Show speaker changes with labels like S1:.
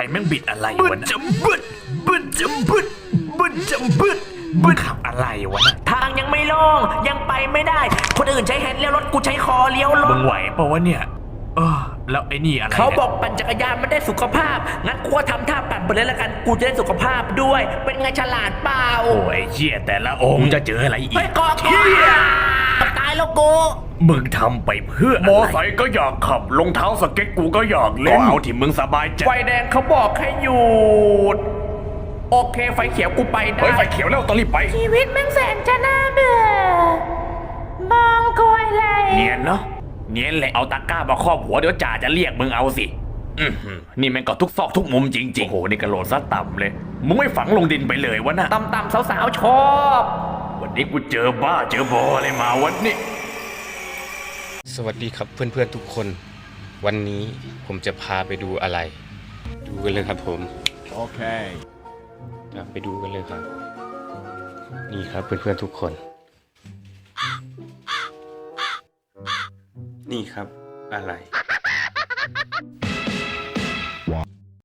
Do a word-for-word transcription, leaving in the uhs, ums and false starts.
S1: รแม่งบิดอะไรวะนะบึดบึดจำบึดบึดจำบึดบึดขับอะไรวะนะ
S2: ทางยังไม่โล่งยังไปไม่ได้คนอื่นใช้แฮนด์เลี้ยวรถกูใช้คอเลี้ยวร
S1: มึ
S2: ถ
S1: งไหวปะวะเนี่ยเออแล้วไอ้นี่อะไร
S2: เขาบอกปั่นจักรยานไม่ได้สุขภาพงั้นกูก็ทำท่าปั่นไปเลยละกันกูจะได้สุขภาพด้วยเป็นไงฉลาดเปล่า
S1: โอ้ยเชี่ยแต่ละองค์จะเจออะไรอีก
S2: เฮ้ยกอกเชี่ยตายแล้วกู
S1: มึงทำไปเพื่อมอไซค์ก็อยากขับรองเท้าสเก็ตกูก็อยากเล่นก็เอาที่มึงสบายใจ
S2: ไฟแดงเขาบอกให้หยุดโอเคไฟเขียวกูไปได้
S1: เฮ้ยไฟเขียวแล้วต้องรีบไป
S2: ชีวิตแม่งแสนจะน่าเบื่อมองกวยเลย
S1: เนียนเนาะเนียนเลยเอาตะกร้ามาครอบหัวเดี๋ยวจ่าจะเรียกมึงเอาสิอือหือนี่แม่งก็ทุกซอกทุกมุมจริงๆโอ้โหนี่กระโหลกซะต่ำเลยมึงไม่ฝังลงดินไปเลยวะนะ
S2: ต่ำๆสาวๆชอบ
S1: วันนี้กูเจอบ้าเจอบออะไรมาวันนี้
S3: สวัสดีครับเพื่อนๆทุกคน วันนี้ผมจะพาไปดูอะไร ดูกันเลยครับผม
S4: โอเค
S3: ไปดูกันเลยครับ นี่ครับเพื่อนๆทุกคน นี่ครับอะไร